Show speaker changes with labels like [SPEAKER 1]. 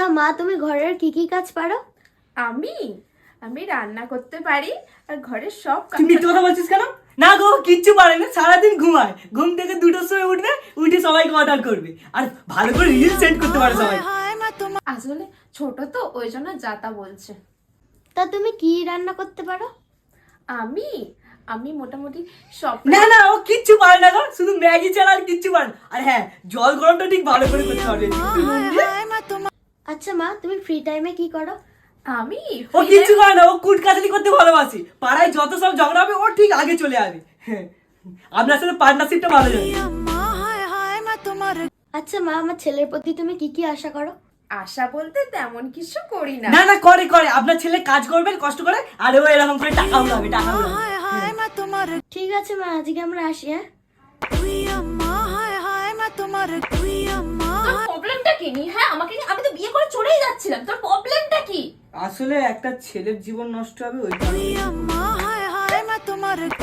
[SPEAKER 1] মা তুমি ঘরের কি কি কাজ পারো?
[SPEAKER 2] আমি আমি রান্না করতে পারি আর ঘরের সব কাজ।
[SPEAKER 3] তুই মিথ্যে কথা বলছিস কেন? না গো, কিচ্ছু পারে না, সারাদিন ঘুমায়, ঘুম থেকে 2টোর সময় উঠবে, উঠে সবাইকে অর্ডার করবে আর ভালো করে রিল সেন্ড করতে পারে সবাই।
[SPEAKER 2] আসলে ছোট তো ওই জন্য যাতা বলছে।
[SPEAKER 1] তা তুমি কি রান্না করতে পারো?
[SPEAKER 2] আমি আমি মোটামুটি সব।
[SPEAKER 3] না না, ও কিচ্ছু পারে না গো, শুধু ম্যাগি ছাড়া আর কিচ্ছু পারে না। আর হ্যাঁ, জল গরমটা ঠিক ভালো করে করতে পারবে।
[SPEAKER 1] আচ্ছা মা তুমি ফ্রি টাইমে কি করো?
[SPEAKER 2] আমি
[SPEAKER 3] ও কিচ্ছু করে না, ও কুটকাচালি করতে ভালোবাসে। পাড়ায় যত সব ঝগড়া হবে ও ঠিক আগে চলে আসবে। হ্যাঁ, আপনার সাথে পার্টনারশিপটা ভালো যাবে।
[SPEAKER 1] আচ্ছা মা আমার ছেলের প্রতি তুমি কি কি আশা করো?
[SPEAKER 2] আশা বলতে তেমন কিছু করি না।
[SPEAKER 3] না না, করে করে, আপনার ছেলে কাজ করবে কষ্ট করে, আর ও এরকম করে টাকা উড়াবে, টাকা উড়াবে।
[SPEAKER 1] ঠিক আছে মা আজকে আমরা আসি। হ্যাঁ
[SPEAKER 2] তোর প্রবলেমটা কি নি? হ্যাঁ আমাকে আমি তো বিয়ে করে চলেই যাচ্ছিলাম, তোর প্রবলেমটা কি?
[SPEAKER 3] আসলে একটা ছেলের জীবন নষ্ট হবে ওই কারণে।